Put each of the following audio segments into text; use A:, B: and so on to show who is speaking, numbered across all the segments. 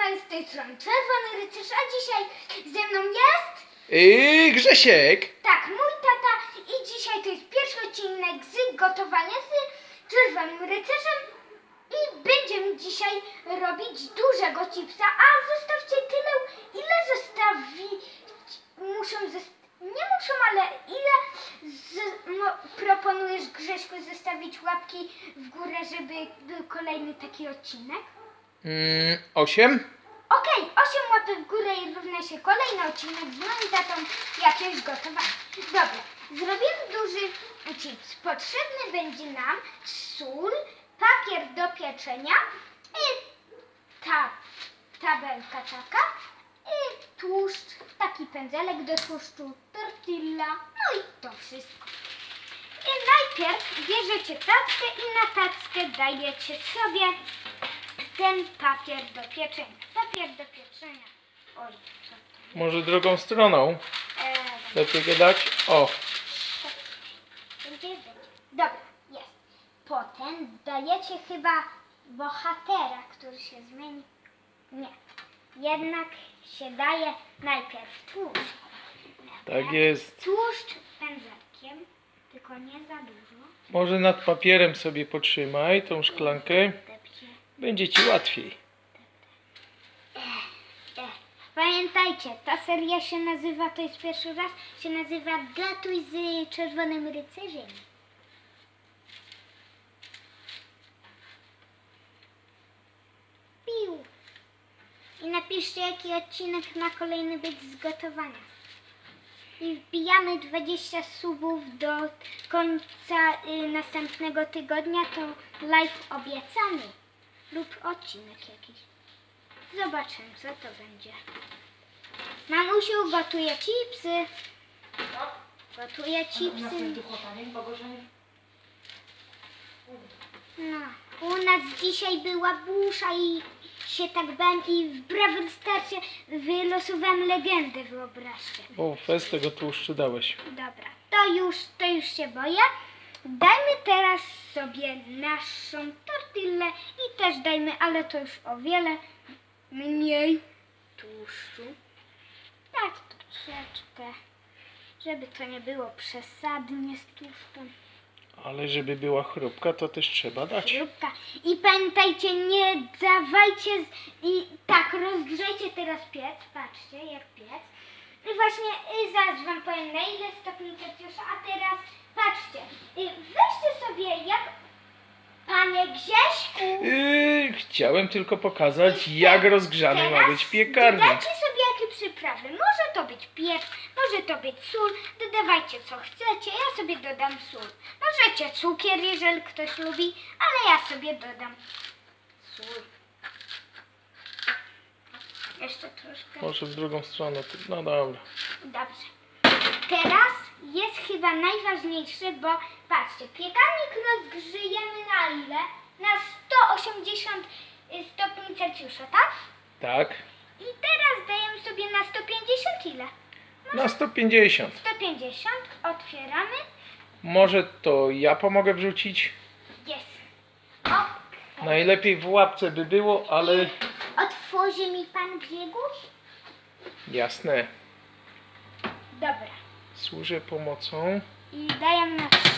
A: kochani, z tej strony Czerwony Rycerz, a dzisiaj ze mną jest...
B: Grzesiek!
A: Tak, mój tata i dzisiaj to jest pierwszy odcinek z gotowania z Czerwonym Rycerzem i będziemy dzisiaj robić dużego chipsa, a zostawcie tyle, ile zostawić nie muszą, ale ile proponujesz, Grześku, zostawić łapki w górę, żeby był kolejny taki odcinek?
B: 8.
A: Okej, 8 łapek w górę i równa się kolejny odcinek z moim tatą jakiegoś gotowania. Dobra, zrobimy duży chips. Potrzebny będzie nam sól, papier do pieczenia i ta tabelka taka i tłuszcz, taki pędzelek do tłuszczu, tortilla, no i to wszystko. I najpierw bierzecie tackę i na tackę dajecie sobie ten papier do pieczenia. Papier do pieczenia. Oj, co to?
B: Może drugą stroną. Lepiej go dać. O,
A: Będzie. Dobra, jest. Potem dajecie chyba bohatera, który się zmieni. Nie. Jednak się daje najpierw tłuszcz.
B: tak jest.
A: Tłuszcz pędzelkiem, tylko nie za dużo.
B: Może nad papierem sobie potrzymaj tą szklankę.
A: Depcie.
B: Będzie ci łatwiej.
A: Pamiętajcie, ta seria się nazywa, to jest pierwszy raz, się nazywa Gotuj z Czerwonym Rycerzem. Piu. I napiszcie, jaki odcinek ma kolejny być z gotowania. I wbijamy 20 subów do końca następnego tygodnia, to live obiecany. Lub odcinek jakiś. Zobaczymy, co to będzie. Mamusiu gotuje chipsy. Gotuje chipsy. No, u nas dzisiaj była busza i się tak bałem i w Brawl Starsie wylosowałem legendę, wyobraźcie.
B: O, fest tego tłuszczu dałeś.
A: Dobra, to już się boję. Dajmy teraz sobie naszą tortillę i też dajmy, ale to już o wiele mniej tłuszczu. Tak, troszeczkę, żeby to nie było przesadnie z tłuszczem.
B: Ale żeby była chrupka, to też trzeba dać.
A: Chrupka. I pamiętajcie, nie dawajcie i tak, rozgrzejcie teraz piec. Patrzcie, jak piec. I właśnie zaraz wam powiem, na ile stopni Celsjusza, a teraz patrzcie. Weźcie sobie, jak panie Grześku.
B: Chciałem tylko pokazać, jak rozgrzany ma być piekarnik.
A: Dodajcie sobie jakie przyprawy. Może to być pieprz, może to być sól. Dodawajcie co chcecie. Ja sobie dodam sól. Możecie cukier, jeżeli ktoś lubi, ale ja sobie dodam sól. Jeszcze troszkę.
B: Może w drugą stronę. No dobra.
A: Dobrze. Teraz jest chyba najważniejsze, bo patrzcie, piekarnik rozgrzejemy na ile? Na 180 stopni Celsjusza, tak?
B: Tak.
A: I teraz dajemy sobie na 150 ile?
B: Na 150.
A: 150, otwieramy.
B: Może to ja pomogę wrzucić?
A: Jest. O,
B: Najlepiej w łapce by było, ale
A: otworzy mi pan Grzegorz?
B: jasne.
A: Dobra.
B: Służę pomocą.
A: I dajemy na 3.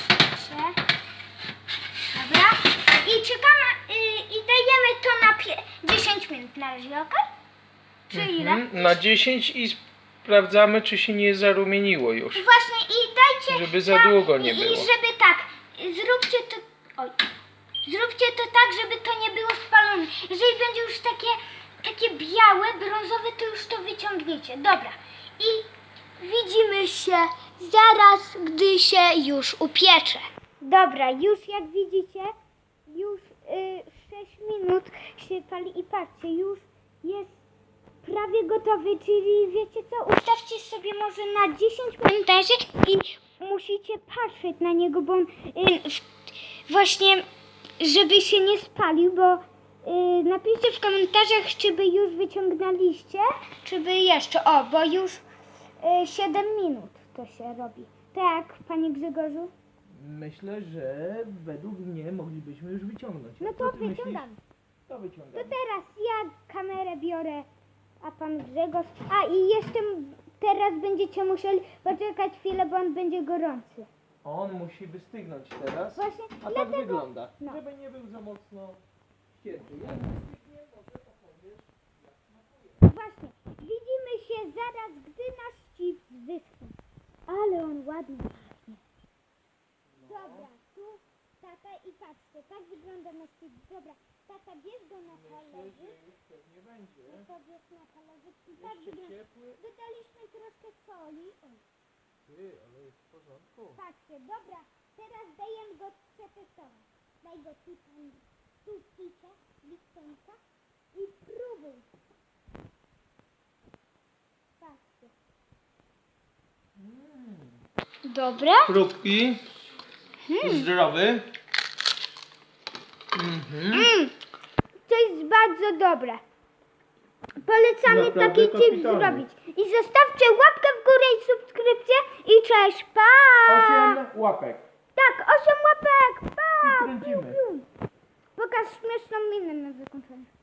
A: Dobra. I czekamy, i dajemy to na 10 minut na razie, ok? Czy ile?
B: Na 10 i sprawdzamy, czy się nie zarumieniło już.
A: Właśnie i dajcie...
B: Żeby za długo nie
A: I
B: było.
A: żeby tak, zróbcie to... Oj. Zróbcie to tak, żeby to nie było spalone. Jeżeli będzie już takie białe, brązowe, to już to wyciągniecie. Dobra. I widzimy się zaraz, gdy się już upiecze. Dobra, już jak widzicie, już 6 minut się pali i patrzcie, już jest prawie gotowy, czyli wiecie co, ustawcie sobie może na 10 komentarzy i musicie patrzeć na niego, bo on właśnie, żeby się nie spalił, bo napiszcie w komentarzach, czy by już wyciągnęliście, czy by jeszcze, bo już 7 minut to się robi. Tak, panie Grzegorzu?
B: Myślę, że według mnie moglibyśmy już wyciągnąć.
A: No to wyciągam.
B: To
A: To
B: wyciągamy.
A: teraz ja kamerę biorę. zabiorę, a pan Grzegorz... A i jeszcze teraz będziecie musieli poczekać chwilę, bo on będzie gorący.
B: On musi wystygnąć teraz.
A: Właśnie
B: A tak
A: dlatego...
B: wygląda.
A: no.
B: Żeby nie był za mocno ścięty. Jak wystygnie, może opowiesz, jak smakuje.
A: Właśnie, widzimy się zaraz, gdy nasz chips wyschnie. Ale on ładnie pachnie. Dobra, tu tata i patrzcie, tak wygląda nasz chips. Dobra, tata bierz go na
B: Myślę,
A: talerzyk.
B: że już pewnie będzie.
A: To bierz na talerzyk i tak
B: Jeszcze
A: wygląda.
B: ciepły.
A: Dodaliśmy troszkę soli. Oj,
B: Ty, ale jest w porządku.
A: patrzcie, dobra, teraz dajemy go przetestować. Daj go tutaj, tu picie, Liptonka i próbuj. Patrzcie. Dobre?
B: Chrupki. Zdrowy.
A: To jest bardzo dobre. Polecamy
B: Naprawdę
A: taki chips
B: kapitalnie.
A: zrobić. I zostawcie łapkę w górę i subskrypcję. I cześć, pa!
B: 8 łapek.
A: Tak, 8 łapek, pa!
B: I kręcimy.
A: Pokaż śmieszną minę na zakończenie.